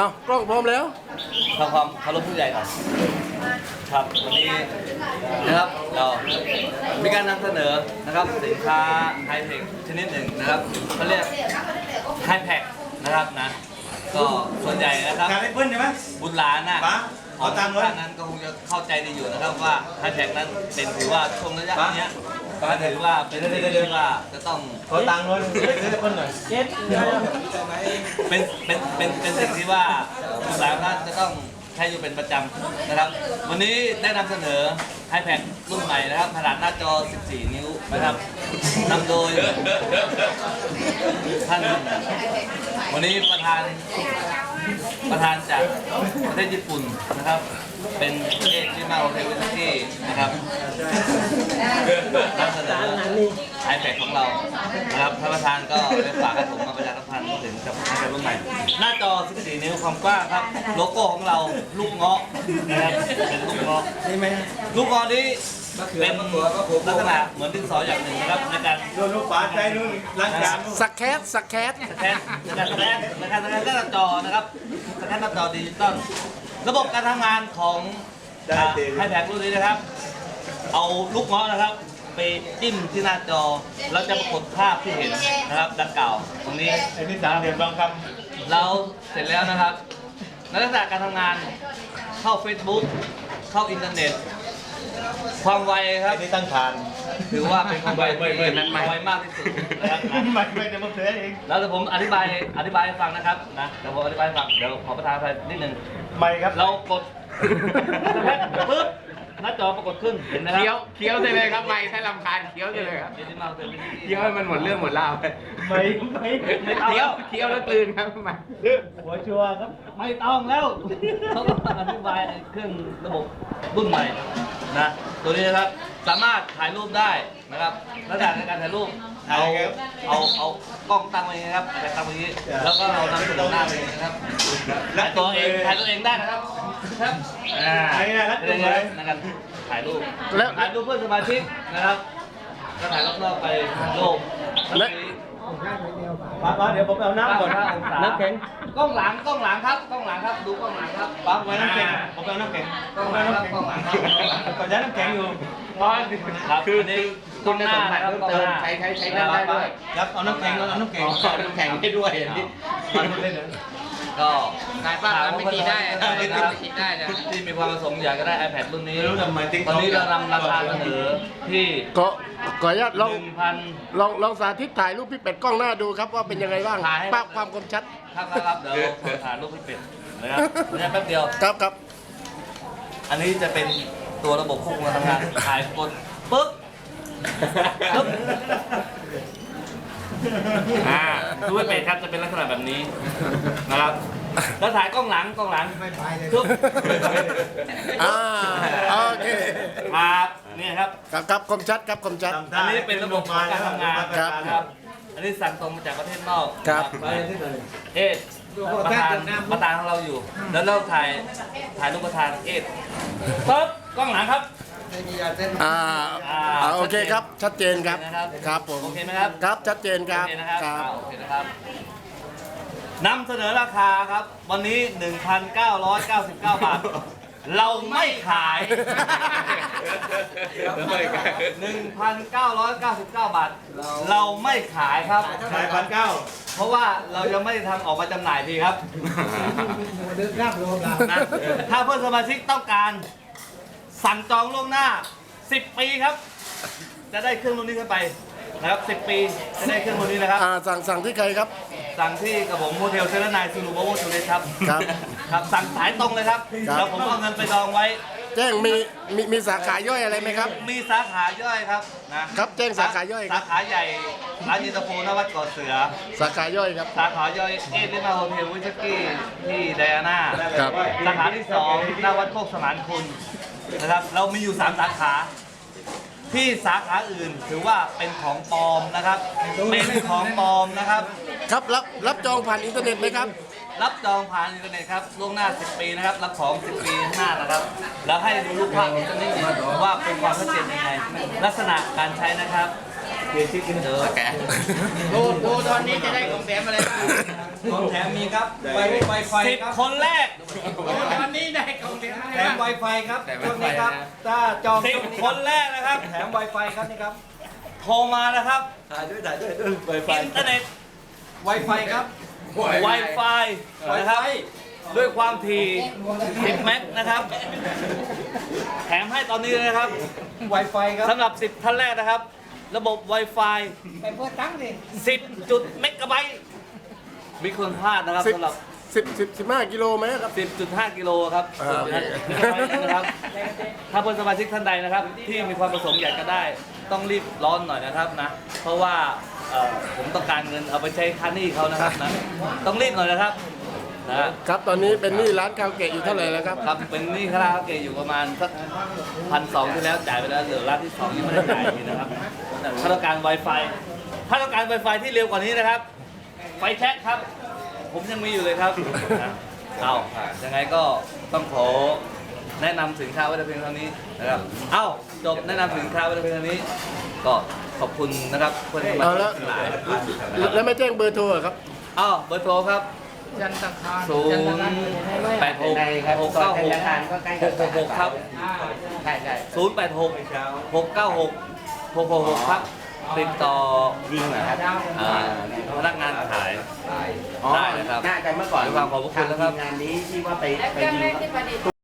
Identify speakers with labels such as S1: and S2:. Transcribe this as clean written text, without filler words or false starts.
S1: เอากล้องพร้อมแล้ว
S2: ทำความเคารพผู้ใหญ่ก่อนครับวันนี้นะครับเรามีการนำเสนอนะครับสินค้าไฮเทคชนิดหนึ่งนะครับเขาเรียกไฮแพ็คนะครับนะก็ส่วนใหญ่นะครับ
S3: การได้เพิ่นใช่ไหม
S2: บุตรหลานน่ะ
S3: ขอตามเลย
S2: นั้นก็คงจะเข้าใจดีอยู่นะครับว่าไฮแพ็คนั้นเป็นถือว่าช่วงระยะนี้ถือว่าเป็นเรื่องว่าจะต้อง
S3: ขอตังค์เลยเพิ่นหน่อย
S2: เป็นสิ่งที่ว่าบุตรหลานนั้นจะต้องใช้อยู่เป็นประจำนะครับวันนี้ได้นำเสนอ iPad รุ่นใหม่นะครับขนาดหน้าจอ 14 นิ้วนะครับนำโดยท่านวันนี้ประธานจากประเทศญี่ปุ่นนะครับเป็นเอกที่มาโอเทวิสกี้นะครับนำเสนอ iPad ของเรานะครับท่านประธานก็ได้ฝากให้ผมมาประชาสัมพันธ์ถึงกับ iPad รุ่นใหม่หน้าจอ 14 นิ้วความกว้างครับโลโก้ของเราลูกเงาะนะครับเป็นลูกเงาะ
S3: ใช่ไหม
S2: ลูกเงาะนี้เป็นลักษณะเหมือนดินสออย่างหนึ่งนะครับในการ
S3: โดนลูกปลาใจนู่นล้างจาน
S1: สักแคส
S2: สแกนหน้าจอนะครับสแกนหน้าจอดิจิตอลระบบการทำงานของไฮแพ็ครุ่นนี้นะครับเอาลูกเงาะนะครับไปจิ้มที่หน้าจอแล้วจะปรากฏภาพที่เห็นนะครับดังกล่าวตรงนี้
S3: ไอ้นี่3 เหลี่ยมทองค
S2: ำเราเสร็จแล้วนะครับลักษณะการทำงานเข้า Facebook เข้าอินเทอร์เน็ตความไวครับ
S3: นี่ตั้งฐาน
S2: ถือว่าเป็นความไวไวมากที่สุดนะครับ
S3: ไม่จะมาเสือเอง
S2: แล้วเดี๋ยวผมอธิบายให้ฟังนะครับนะเดี๋ยวผมอธิบายให้ฟังเดี๋ยวขอประทานไปนิดนึง
S3: ไม่ครับ
S2: เรากดปึ๊บหน้าจอปรากฏขึ้นเห็นไหมครับ
S1: เคี้ยวได้เลยครับไม่ถ้ารำคาญเคี้ยวได้เลยครับเคี้ยวให้มันหมดเรื่องหมดราวไป
S3: ไม่
S1: เคี้ยวแล้วกลืนครับมา
S3: หัวชัวครับ
S2: ไม่ต้องแล้วเขาก็อธิบายเครื่องระบบรุ่นใหม่นะตัวนี้นะครับสามารถถ่ายรูปได้นะครับระดับในการถ่ายรูปเอากล้องตั้งไว้นะครับแต่ตั้งไว้นี้แล้วก็เรานำเสนอหน้าไปนะครับถ่ายตัวเองได้นะครับครับ
S3: นี่นะ
S2: ในการถ่ายรูปเพื่อนสมาชิกนะครับก็ถ่ายรอบๆไปโลก
S3: แล้วเดี๋ยวผมเอาน้ำก่อน
S2: น้ำแข็งกล้องหลังครับดูกล้องหลังครับ
S3: ปั๊บไว้น้ำแข็งผมเอาน้ำแข็ง
S2: กล้องหลังครับ
S3: ก่อนย้ายน้ำแข็งอยู่
S2: คือนี่
S1: คุณสมบัติเพิ่มเติมใช้ได้ด้วย
S3: ครับเอาน้ำแข็ง
S1: ให้ด้วย
S2: ก็
S1: ขายบ้านไม่ตีได้
S2: ที่มีความประสงค์อยากจะได้ iPad รุ่นนี้ตอนนี้เรานำราคาเสนอที่
S1: ก็ขออนุญาตลองสาธิตถ่ายรูปพี่เป็ดกล้องหน้าดูครับว่าเป็นยังไงบ้างภาพความคมชัด
S2: ครับเดี๋ยวถ่ายรูปพี่เป็ดนะครับแป๊บเดียว
S1: ครับ
S2: อันนี้จะเป็นตัวระบบควบคุมการทำงานถ่ายกดปึ๊บดูไม่เป็นครับจะเป็นลักษณะแบบนี้นะครับแล้วถ่ายกล้องหลังทุบ
S1: โอเค
S2: ครับนี่ครับ
S1: คมชัด
S2: อันนี้เป็นระบบการทำงานครับอันนี้สั่งตรงมาจากประเทศนอก
S1: ครับ
S2: ประธานของเราอยู่แล้วเราถ่ายรูปประธานปึ๊บกล้องหลังครับ
S1: โอเคครับชัดเจนครับผม
S2: โอเคไหมครับ
S1: ครับชัดเจนครับ
S2: โอเคนะครับนำเสนอราคาครับวันนี้ 1,999 บาทเราไม่ขาย 1,999 บาทเราไม่ขายครับ
S3: ขาย1,900
S2: เพราะว่าเรายังไม่ได้ทำออกมาจำหน่ายทีครับถ้าเพื่อนสมาชิกต้องการสั่งจองล่วงหน้า10 ปีครับจะได้เครื่องรุ่นนี้ขึ้นไปนะครับ10 ปีจะได้เครื่องรุ่นนี้นะครับ
S1: สั่งที่ใครครับ
S2: สั่งที่กับผมโฮเทลเซเลนายซูนูโบโวทูเลสครับครับสั่งสายตรงเลยครับแล้วผมเอาเงินไปจองไว้
S1: แจ้งมีสาขาย่อยอะไรไหมครับ
S2: มีสาขาย่อยครับ
S1: นะครับแจ้งสาขาย่อย
S2: สาขาใหญ่ร้านยินตาโฟนวัดเกาะเสือ
S1: สาขาย่อยครับ
S2: สาขาย่อยลิมาโฮเทลวิชกี้ที่ไดอาน่าสาขาที่2หน้าวัดโคกสมานคุณนะครับเรามีอยู่3 สาขาที่สาขาอื่นถือว่าเป็นของปลอมนะครับเป็นของปลอมนะครับ
S1: ครับรับจองผ่านอินเทอร์เน็ตไหมครับ
S2: รับจองผ่านอินเทอร์เน็ตครับล่วงหน้า10 ปีนะครับรับของ10 ปีข้างหน้านะครับแล้วให้ดูรูปภาพอีกสักนิดนึงว่าเป็นความชัดเจนยังไงลักษณะการใช้นะครับ
S1: ดูตอนนี้จะได้ของแถมอะไร
S3: ของแถมมีครับไวไฟ
S2: สิบ
S3: ครับ
S2: คนแรก
S4: วันนี้ได้ของเสียมา
S3: แถมไวไฟครับช่วงนี้ครับถ้าจอง
S2: สิบคนแรกนะครับ
S3: แถมไวไฟครับนี่ครับ
S2: โทรมานะครับ
S3: ถ่ายด้วยไวไฟ
S2: อินเทอร์เน็ต
S3: ไวไฟครับ
S2: Wi-Fi นะครับ ด้วยความถี่10 เมกนะครับ แถมให้ตอนนี้เลยนะครับ
S3: ไวไฟครับ
S2: สำหรับ 10 ท่านแรกนะครับ ระบบ Wi-Fi
S4: ไปเพื่อตั้งดิ
S2: 10 จุดเมกะไบต์มีคนพลาดนะครับ
S1: 10
S2: สำหรับ
S1: 15 กิโลไหมครับ
S2: 10.5 กิโลครับ
S1: โอเค
S2: นะครับ ถ้าเพื่อนสมาชิกท่านใดนะครับ ที่มีความประสงค์อยากจะได้ ต้องรีบร้อนหน่อยนะครับนะ เพราะว่าผมต้องการเงินเอาไปใช้ค่าหนี้เขานะครับนะ ต้องรีบหน่อยนะครับนะครับ
S1: ตอนนี้เป็นหนี้ร้านคาราโอเกะอยู่เท่าไหร่แล้วครับ
S2: ครับเป็นหนี้คาราโอเกะอยู่ประมาณสัก1,200ที่แล้วจ่ายไปแล้วเหลือร้านที่2ยังไม่ได้จ่ายนี่นะครับถ้าต้องการ Wi-Fi ถ้าต้องการ Wi-Fi ที่เร็วกว่านี้นะครับ ไฟแช็กครับ ผมยังมีอยู่เลยครับนะเอายังไงก็ต้องขอแนะนำสินค้าไว้แต่เพียงเท่านี้นะครับ เอ้าจบแนะนำสินค้าไว้แต่เพียงเท่านี้ ก็ขอบคุณนะครับเพื่อนสมา
S1: เอา
S2: ชิ
S1: แล้ว
S2: กทั้งหลาย
S1: แล้วไม่แจ้งเบอร์โทรเหรอครับ
S2: เอ้าเบอร์โทรครับ
S4: จันทคาร
S2: 0
S4: จันทคาร
S2: 8 6 6 9 6 6 6 6ครับ
S4: ใช่ใช่
S2: 086 696 666 ครับ ติดต่อ
S5: ยิงเหรอครับ
S2: พนักงานขาย
S5: อ๋อ
S2: ได้นะครับ
S5: น่าจะเมื่อก่อน
S2: ด้วยความขอบพระคุณนะครับ
S5: ทางทีมงานนี้ที่ว่าไปยิง